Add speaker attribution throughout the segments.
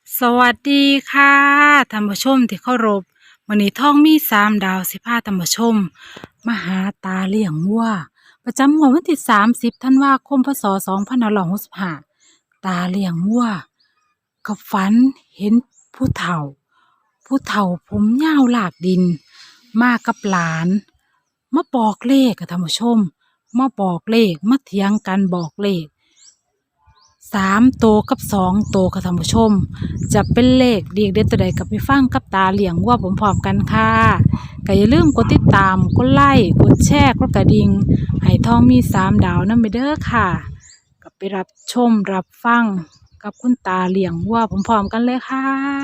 Speaker 1: สวัสดีค่ะท่านผู้ชมที่เคารพวันนี้ท่องมี3 ดาวสิพาท่านผู้ชมมาหาตาเลี้ยงวัวประจำงวดวันที่30 ธันวาคมพ.ศ. 2565ตาเลี้ยงวัวก็ฝันเห็นผู้เฒ่าผมยาวลากดินมากับหลานมาบอกเลขค่ะท่านผู้ชมมาบอกเลขมาเถียงกันบอกเลข 3 ตัวกับ2 ตัวค่ะท่านผู้ชมจะเป็นเลขเด็กเด็ดตัวใดกับไปฟังกับตาเลี้ยงวัวพร้อมๆกันค่ะก็อย่าลืมกดติดตามกดไลค์กดแชร์กดกระดิ่งให้ทองมี3 ดาวนำไปเด้อค่ะก็ไปรับชมรับฟังกับคุณตาเลี้ยงวัวพร้อมๆกันเลยค่ะ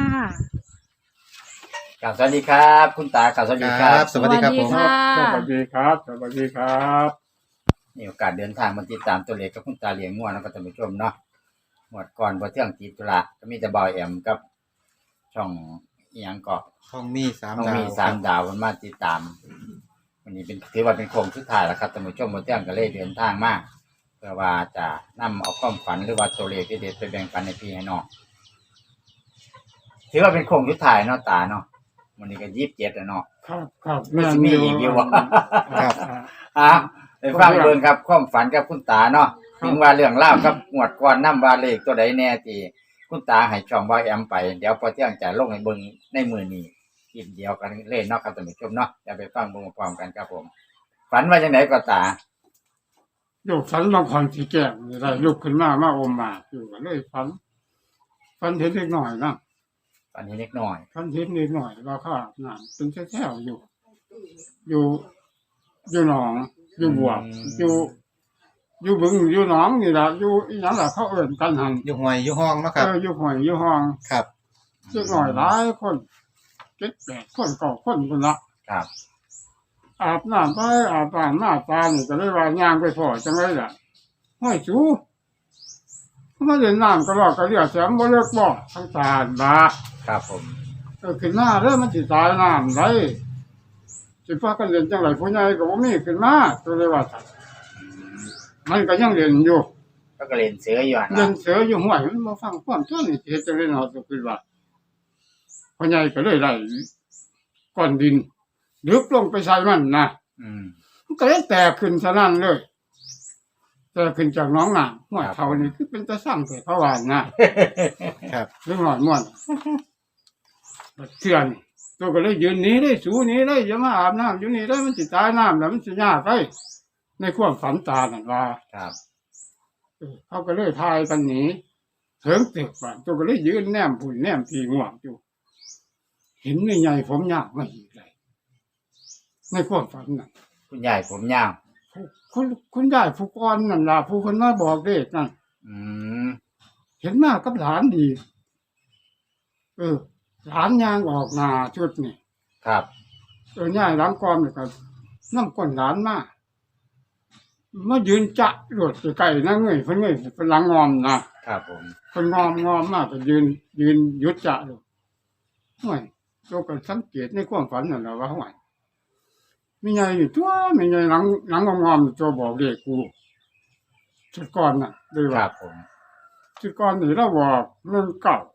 Speaker 2: ครับสวัสดีครับคุณตาครับสวัสดีครับ
Speaker 3: สวัสดีครับผม
Speaker 1: ค่ะ
Speaker 4: สวัสดีครับ สวัสดีครับ
Speaker 2: มีโอกาสเดินทางมาติดตามตัวเลขกับคุณตาเลี้ยงง่วนะครับท่านผู้ชมเนาะหมดก่อนพอเที่ยงติดธุระก็มีแต่บอยแอมกับช่องอีหยังเกาะ
Speaker 3: ห้องมีสาม
Speaker 2: ต้อง
Speaker 3: ดาว
Speaker 2: มี3 ดาวมันมาติดตามวันนี้เป็นถือว่าเป็นโค้งสุดท้ายแล้วครับท่านผู้ชมพอเที่ยงก็เลยเดินทางมาเพื่อว่าจะนำเอาความฝันหรือว่าตัวเลขที่เด็ดไปแบ่งปันในพี่ให้น้องถือว่าเป็นโค้งสุดท้ายเนาะตาเนาะวันนี้ก็27แล้วเนาะ
Speaker 4: ครับ
Speaker 2: ไม่สิมีอีกอยู่วะ
Speaker 3: ครับ
Speaker 2: อ่ะไปฟังเบิ่งครับความฝันกับคุณตาเนาะถึงว่าเรื่องเล่าวครับงวดก่อนนำว่าเลขตัวใดแน่ที่คุณตาให้ช่องบ่แอมไปเดี๋ยวพอเที่ยงจะลงให้เบิ่งในมื้อนี้ทีเดียวกันเลยเนาะครับท่านผู้ชมเนาะอย่าไปฟังเบิ่งพร้อมกันครับผม ฝันว่าจังไดก็ตา
Speaker 4: อยู่ฝันบางคนสีแก้มนี่ได้ลุกขึ้นมาอมมาอยู่ก็เลยฝันเห็นเล็กหน่อยนะ
Speaker 2: ฝันเห็นเล็กน้อย
Speaker 4: ฝันเห็นเล็กหน่อยว่าข้าน้ำเป็นแถวๆอยู่หนองอยู่บวกอยู่บึงอยู่หนองนี่ล่ะอยู่อีหยังล่ะเขาเอิ้นกันหัน
Speaker 3: อยู่ห่วยอยู่ห้องเนาะครับ
Speaker 4: อยู่ห้อยอยู่ห้อง
Speaker 3: ครับ
Speaker 4: เล็กหน่อยหลายคน7-8 คน9 คนพุ่นละ
Speaker 2: ครับ
Speaker 4: อาบน้ำไปอาบน้ำหน้าตานี่ก็เลยว่าย่างไปพอจังไรล่ะห้อยจูมาเล่นน้ำก็รอกก็เรียกแสมบ่เลิกบ่ทั้งตาบา
Speaker 2: ครับผม
Speaker 4: ขึ้นหน้าเด้อมันสิตายน้ำไรสิพากันเล่นจังไรผู้ใหญ่ก็บ่มีขึ้นมาตัวเลยว่าซั่นมันก็ยังเล่นอยู่
Speaker 2: ก็เล่นเสืออยู่หั่น
Speaker 4: เล่
Speaker 2: ล่ะ
Speaker 4: นเสืออยู่ห้วยมันบ่ฟังความตัวนี่สิเฮ็ดจังได๋เนาะตัวคือว่าผู้ใหญ่ก็เลยไล่ก้อนดินลึกลงไปใส่มันนะ
Speaker 2: อืม
Speaker 4: มันก็เลยแตกขึ้นซะนั่นเลยแตกขึ้นจากหน้องน้ำห้วย
Speaker 2: ครับ
Speaker 4: เขานี่คือเป็นตะสั่งแต่เขาว่านะครับ เรื่องหน่อยม่วนเชื่อนี่ตัวก็เลยยืนหนี้ได้สูหนี้ได้อย่ามาอาบน้ำอยู่นี่ได้มันสิตายน้ำแล้วมันสิยากไปในความฝันตานั่นว่า
Speaker 2: ครับ
Speaker 4: เขาก็เลยทายกันหนีเถิงตึกว่าตัวก็เลยยืนแนมผุ่นแนมพีง่วงอยู่เห็นไม่ใหญ่ผมยากมาอีกเลยในความฝันนั่น
Speaker 2: คุณยายผมยาว
Speaker 4: คุณยายผู้ก่อนนั่นล่ะผู้คนมาบอกเด็กนั่น
Speaker 2: อืม
Speaker 4: เห็นมากกับหลานดี หลานยางออกหน้าชุดนี่
Speaker 2: ครับ
Speaker 4: ย่ายหลังกอมนี่ก็น้ำก้นหลานมายืนจะรวดใกล้ๆนั่งเงยเพิ่นหลังงอมนะครับ
Speaker 2: ผม
Speaker 4: เพิ่นงอมมากก็ยืนหยุดจะอยู่ห่วยเราก็สังเกตในความฝันนั่นแหละว่าห่วยมีไงนี่ตัวมีไงหลังงอมๆตัวบอกเด็กกูชุดก่อนน่ะเลย
Speaker 2: ค
Speaker 4: ว่า
Speaker 2: รับผม
Speaker 4: ชุดก่อนนี่เราบอกเรื่องเก่า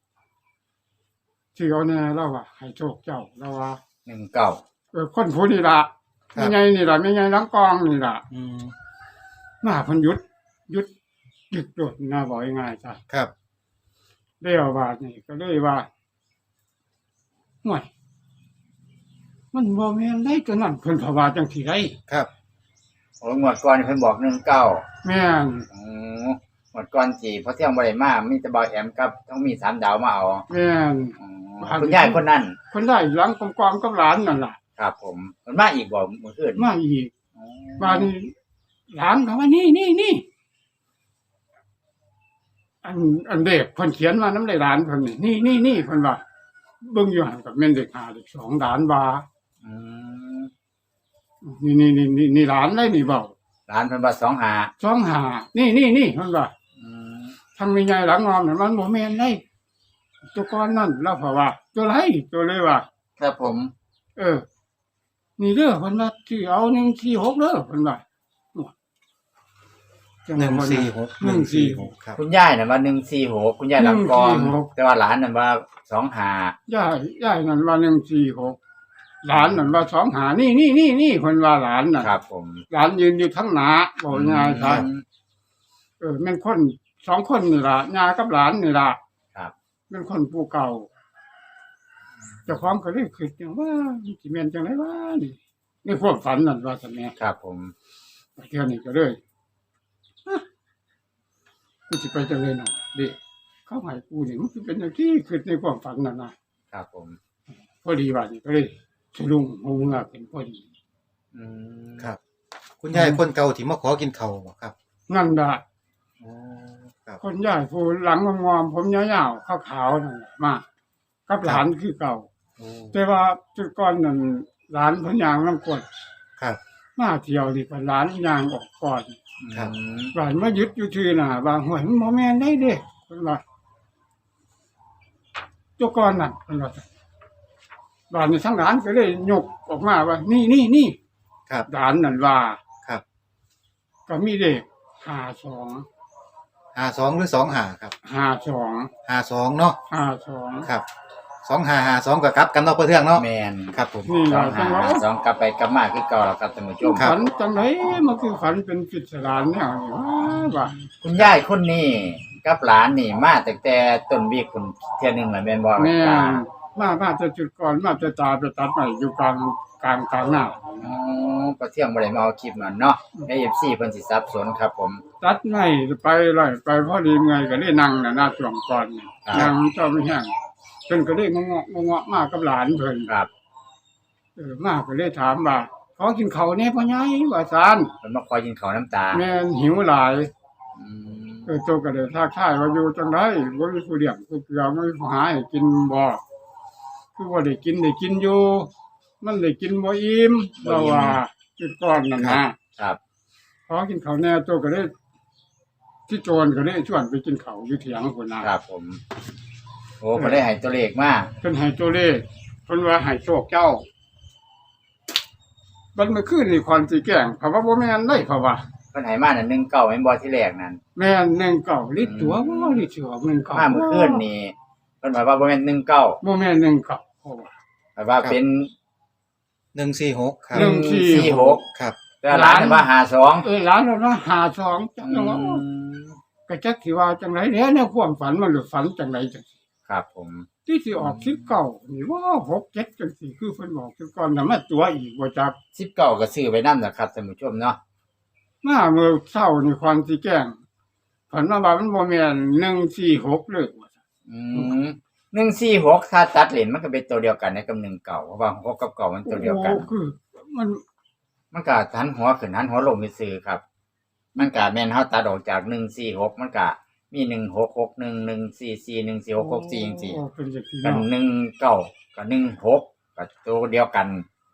Speaker 4: ที่เอาแน่เราว่าให้โชคเจ้าเราว่า
Speaker 2: 19
Speaker 4: คนผู้นี่ล่ะมีไงนี่ล่ะมีไงหลังกองนี่ล่ะ
Speaker 3: อืม
Speaker 4: มาเพิ่นหยุดหยุดโดดนะบอกง่ายๆจ้ะ
Speaker 3: ครับ
Speaker 4: เรียกว่านี่ก็เลยว่าห่วยมันบ่แม่นได้ตัวนั้นเพิ่นภาวาจังสิได้
Speaker 3: ครับ
Speaker 2: โอ้งวดก่อนเพิ่นบอก19
Speaker 4: แม่น
Speaker 2: อ๋อหมดก่อนจีเพราะเที่ยงบ่ได้มามีแต่บอยแอมกับต้องมี3 ดาวมาเอา
Speaker 4: แม่น
Speaker 2: อ๋อคุณยายคนนั้น
Speaker 4: คนได้หลังกองกับหลานนั่นล่ะ
Speaker 2: ครับผมมันมาอีกบ่เมื่อคืน
Speaker 4: มาอีก
Speaker 2: อ๋อ
Speaker 4: บ้านนี้หลานเขาว่านี่อันเด็กเพิ่นเขียนมาน้ำลายหลานเพิ่นนี่เพิ่นว่าเบิ่งอยู่หั่นกับแม่นเด็ก5เด็ก2หลานว่า
Speaker 2: อืม
Speaker 4: นี่หลานได้นี่เบา
Speaker 2: ร้านเพิ่นว่า25
Speaker 4: 25นี่เพิ่นว่า
Speaker 2: อืม
Speaker 4: ทางมีใหญ่หลังงอมเนี่ยมันบ่แม่นได้ตัวก้อนนั่นแล้วเพราะว่าตัวไรตัวเลยว่า
Speaker 2: ครับผม
Speaker 4: นี่เด้อเพิ่นว่าที่เอา146เด้อเพิ่นว่าจัง
Speaker 3: หนึ่ง
Speaker 4: ว่า
Speaker 3: สี่หก
Speaker 4: 146
Speaker 3: ครับ
Speaker 2: คุณยายน่ะว่า146คุณยายหลังกอง
Speaker 4: 146
Speaker 2: แต่ว่าหลานน่ะว่า25
Speaker 4: ย่ายนั่นว่า146หลานนั่นว่า25นี่เพิ่นว่าหลานน่ะ
Speaker 2: ครับผม
Speaker 4: หลานยืนอยู่ทั้งหน้าบอกง่ายๆครับ แม่นคน2คนนี่ล่ะย่ากับหลานนี่ล่ะ
Speaker 2: ครับ
Speaker 4: แม่นคนผู้เก่าเจ้าของก็เลยคิดอย่างว่าสิแม่นจังได๋วะนี่ในความฝันนั่นว่าซั่นแหม
Speaker 2: ครับผม
Speaker 4: เทื่อนี้ก็เลยกูสิไปจังได๋เนาะเด้เขาให้กูนี่มันสิเป็นจังซี่คิดในความฝันนั่นน่ะ
Speaker 2: ครับผม
Speaker 4: พอดีว่านี่ก็เลยสะดุ้งหูเงือกเป็นพอดี
Speaker 2: อืม
Speaker 3: ครับ คุณยายคนเก่าที่มาขอกินข้าวบ่ครับ
Speaker 4: นั่นล่ะ
Speaker 3: อ๋อครับ
Speaker 4: คนใหญ่ผู้หลังงอมๆผมยาวๆขาวๆนั่นแหละมากับหลานคือเก่า
Speaker 3: โอ้
Speaker 4: แต่ว่าจุดก่อนนั่นหลานเพิ่นย่างนำกด
Speaker 3: ครับ
Speaker 4: มาเที่ยวนี่เพิ่นหลานย่างออกก่อน
Speaker 3: ครับ
Speaker 4: หลานมายึดอยู่ที่น่ะบางห้วยมันบ่แม่นได้เด้เพิ่นว่าจุดก่อนนั่นเพิ่นว่าหลานนี่ทั้งหลานก็เลยยกออกมาว่านี่
Speaker 3: ครับ
Speaker 4: หลานนั่นว่า
Speaker 3: ครับ
Speaker 4: ก็มีเลข52
Speaker 3: 52หรือ25ครับ
Speaker 4: 52
Speaker 3: 52เนาะ
Speaker 4: 52
Speaker 3: ครับ2552ก็กลับกันเนาะเพื่อนเทื่องเนาะ
Speaker 2: แมน
Speaker 3: ครับผม
Speaker 4: นี่
Speaker 2: ส
Speaker 4: ล่ะ
Speaker 2: อง
Speaker 4: จั
Speaker 2: หาง
Speaker 4: ว่า
Speaker 2: สองกลับไปกลับมาคือเก่าแล้วครับท่านผู้ชม
Speaker 3: ครับ
Speaker 4: ฝันจังไดมันคือฝันเป็นปริศนาแนวนี้ว่า
Speaker 2: คุณยายคนนี้กับหลานนี่มาตั้งแต่ต้นวีคคุณเที่ยหนึงแล้วแม่นบ่
Speaker 4: แม่
Speaker 2: ตา
Speaker 4: มาจะจุดก่อนมาจะตาไปตัดใหม่อยู่กลางหน้า
Speaker 2: อ๋อประเที่ยงบ่ได้มาเอาคลิปมันเนาะใน FC เพิ่นสิสับสนครับผม
Speaker 4: ตัดใหม่ไปเลยไปพอดีไงก็ได้นั่งน่ะหน้าช่วงก่อนนี่
Speaker 2: ครับ
Speaker 4: นั่งเจ้าไม่แห้งเพิ่นก็ได้งอกมากับหลานเพิ่น
Speaker 2: ครับ
Speaker 4: มาก็เลยถามว่าขอกินข้าวแหน่พ่อใหญ่ว่าซาน
Speaker 2: เพิ่นมาคอยกินข้าวน้ำตา
Speaker 4: แม่นหิวหลาย
Speaker 2: อืม
Speaker 4: โตก็เลยทักทายว่าอยู่จังไดบ่มีผู้เลี้ยงผู้เกลือบ่มีผู้หาให้กินบ่คือว่าได้กินอยู่ มันได้กินบ่อิ่มเราว่าจุดก่อนนั่นนะครับ ขอกินข้าวแหน่โตก็เลยที่โจรก็เลยชวนไปกินข้าวอยู่เถียงพุ่นน่ะ
Speaker 2: ครับผม โอ้เพิ่นได้ให้ตัวเลขมา
Speaker 4: เพิ่นให้ตัวเลขเพิ่นว่าให้โชคเจ้าบัดเมื่อคืนนี่ควรสิแกล้งเพราะว่าบ่แม่นได้เพราะว่า
Speaker 2: เพิ่นให้มานั่น19แม่นบ่ที่แรกนั่น
Speaker 4: แม่น19ลิตรตัวบ่ลิตรตัว19
Speaker 2: มาเมื่อคืนนี่เพิ่นบอกว่าบ่แม่น19
Speaker 4: บ่แม่น19เพราะว่า
Speaker 2: แต่ว่าเป็น
Speaker 3: 146ครับ
Speaker 2: 146
Speaker 3: ครับ
Speaker 2: แต่หลานว่า52
Speaker 4: หลานเราว่า52จังว่าก็จักสิว่าจังได๋แหน่ในความฝันมันหรือฝันจังไดจัง
Speaker 2: ครับผม
Speaker 4: ที่สิออก19นี่ว่า6 7จังซี่คือเพิ่นบอกคือก่อนน่ะมาตัวอีกบ่จัก
Speaker 2: 19ก็ซื้อไว้นำนะครับท่านผู้ชมเนาะ
Speaker 4: มาเมื่อเช้านี่ควรสิแกล้งฝันว่ามันบ่แม่น146เลยว่าซั่น
Speaker 2: อืม146ถ้าตัดเหรียญมันก็เป็นตัวเดียวกันนะกับ19เพราะว่า6กับ9มันตัวเดียวกัน
Speaker 4: โอ้คือมัน
Speaker 2: มันก็หันหัวขึ้นหันหัวลงซื่อๆครับ มันก็แม่นเฮาตัดออกจาก146มันก็มี1661 144 14664จังซี่
Speaker 4: โอ้เป็นจังซี่
Speaker 2: กัน
Speaker 4: เนาะ
Speaker 2: 19กับ16ก็ตัวเดียวกัน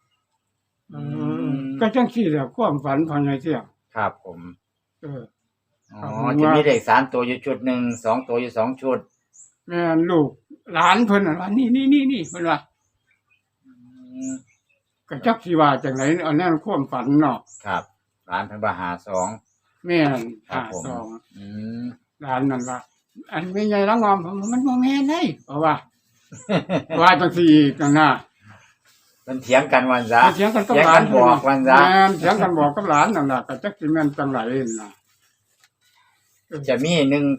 Speaker 4: ก็จังซี่แหละความฝันของยายเสี่ยง
Speaker 2: ครับผม
Speaker 4: เออ
Speaker 2: อ๋อ
Speaker 4: ครับ
Speaker 2: จะมีเลข3ตัวอยู่ชุดหนึ่ง2ตัวอยู่2ชุด
Speaker 4: แม่นลูกหลานเพิ่นน่ะว่านี่เพิ่นว่า
Speaker 2: อืม
Speaker 4: ก็จักสิว่าจังไดอันนั้นความฝันเนาะ
Speaker 2: ครับร้านเพิ่นว่า52
Speaker 4: แม่น
Speaker 2: ครับผม
Speaker 4: 52
Speaker 2: อืม
Speaker 4: หลานนั่นว่าอันแม่ใหญ่ละงอมผมมันบ่แม่นเด้เพราะว่า ว่าจังซี่อีกนั่นน่ะ
Speaker 2: เพิ่นเถียงกันวันซะ
Speaker 4: เถียงกันกับ
Speaker 2: เถียง
Speaker 4: หลา
Speaker 2: กัน นบอกวันซะ
Speaker 4: แม่นเถียงกันบอกกับหลานนั่นล่ะก็จักสิแม่นจังไดน่ะ
Speaker 2: จะมี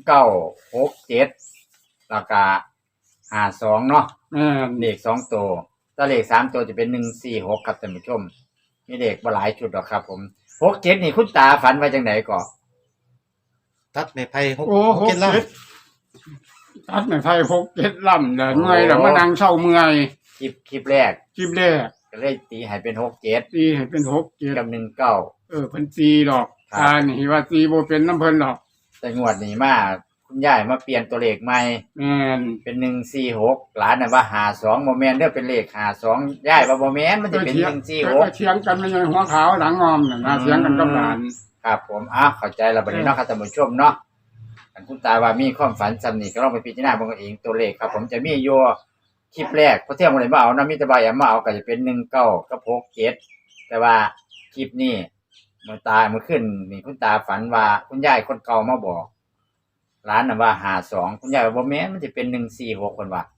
Speaker 2: 1967แล้วก็52เนาะ
Speaker 4: แม่น
Speaker 2: เลข2ตัวถ้าเลข3ตัวจะเป็น146ครับท่านผู้ชม มีเลขบ่หลายชุดหรอกครับ ผม67นี่คุณตาฝันว่าจังไดก่อ
Speaker 3: ตัดไม้ไผ่หก
Speaker 4: โอ้
Speaker 3: หกเจ็ดล่าง
Speaker 4: 67ตัดไม่ไผ6 7ลำเด้อเมื่อยแล้วมานั่งเช้าเมื่อย
Speaker 2: คลิปแรก
Speaker 4: คลิปแรก
Speaker 2: ก็เลยตีให้เป็น67
Speaker 4: ตีให้เป็น6 7
Speaker 2: กับ19
Speaker 4: เพิ่นตีดอก
Speaker 2: ครับ
Speaker 4: ตานี่ว่าตีบ่เป็นน้ำเพิ่นดอก
Speaker 2: แต่งวดนี้มาคุณยายมาเปลี่ยนตัวเลขใหม่
Speaker 4: แม่น
Speaker 2: เป็น146หลานน่ะว่า52บ่แม่นเด้อเป็นเลข52ยายว่าบ่แม่นมันจะเป็น
Speaker 4: ก็เถียงกันไม่ใช่หัวขาวหลังงอมน่ะนะเถียงกันกับหลาน
Speaker 2: 146ครับผมเข้าใจแล้วบัดนี้เนาะครับท่านผู้ชมเนาะอันคุณตาว่ามีความฝันซ้ำนี่ก็ลองไปพิจารณาเบิ่งเอาเองตัวเลขครับ ผมจะมีอยู่คลิปแรกเพราะเที่ยงบ่ได้มาเอานะมีแต่บ่ายมาเอาก็จะเป็น19กับ67แต่ว่าคลิปนี้เมื่อขึ้นนี่คุณตาฝันว่าคุณยายคนเก่ามาบอกร้านน่ะว่า52คุณยายว่าบ่แม่นมันสิเป็น146เพิ่นว่า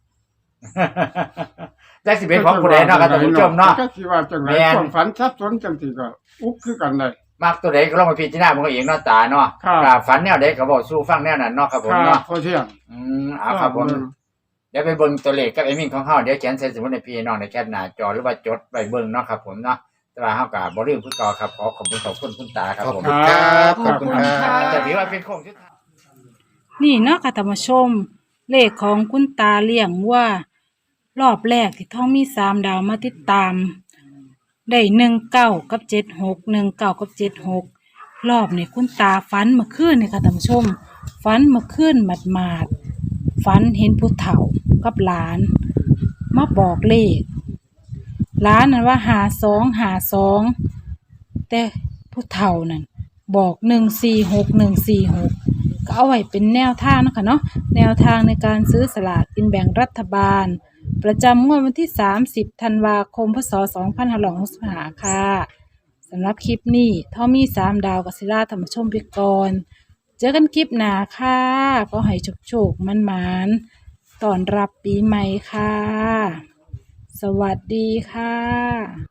Speaker 2: จักสิเป็นของผู้ใดเนาะครับท่านผู้ชมเนาะ
Speaker 4: จักสิว่าจังได
Speaker 2: แม่น
Speaker 4: ความฝันสับสนจังซี่ก็อุกคือกันได้
Speaker 2: มักตัวใดก็ลองมาพิจารณามันก็เองเนาะตาเนาะ
Speaker 4: ครับ
Speaker 2: ฝันแนวใดก็บอกสู้ฟังแนวนั้นเนาะครับผม
Speaker 4: ครั
Speaker 2: เนาะ
Speaker 4: บพอเที่ยง
Speaker 2: เอาครับผมเดี๋ยวไปเบิ่งตัวเลขกับไอ้มิ่งของเฮาเดี๋ยวเขียนใส่สมุดในพี่น้องในแคปหน้าจอหรือว่าจดไว้เบิ่งเนาะครับผมเนาะแต่ว่าเฮาก็บ่ลืมคือเก่าครับขอบคุณคุณตาครับ
Speaker 3: ขอบ
Speaker 2: ผม
Speaker 3: คุณครับขอบคุณค
Speaker 1: ครั
Speaker 3: รับ บ
Speaker 2: จะถือว่าเป็นโค้งสุดท้าย
Speaker 1: นี่เนาะค่ะท่านผู้ชม เลขของคุณตาเลี้ยงว่ารอบแรกที่ท่องมี3ดาวมาติดตาม ได้19กับ76 19กับ76รอบนี้คุณตาฝันเมื่อคืนนี่ค่ะท่านผู้ชมฝันเมื่อคืนหมาดๆฝันเห็นผู้เฒ่ากับหลานมาบอกเลขหลานนั่นว่า52แต่ผู้เฒ่านั่นบอก146ก็เอาไว้เป็นแนวทางเนาะค่ะเนาะแนวทางในการซื้อสลากกินแบ่งรัฐบาลประจำงวดวันที่30ธันวาคมพศ2565ค่ะสำหรับคลิปนี้ท่อมี3ดาวกับศิลาธรรมชมไปก่อนเจอกันคลิปหน้าค่ะก็ให้โชคๆมันๆต้อนรับปีใหม่ค่ะสวัสดีค่ะ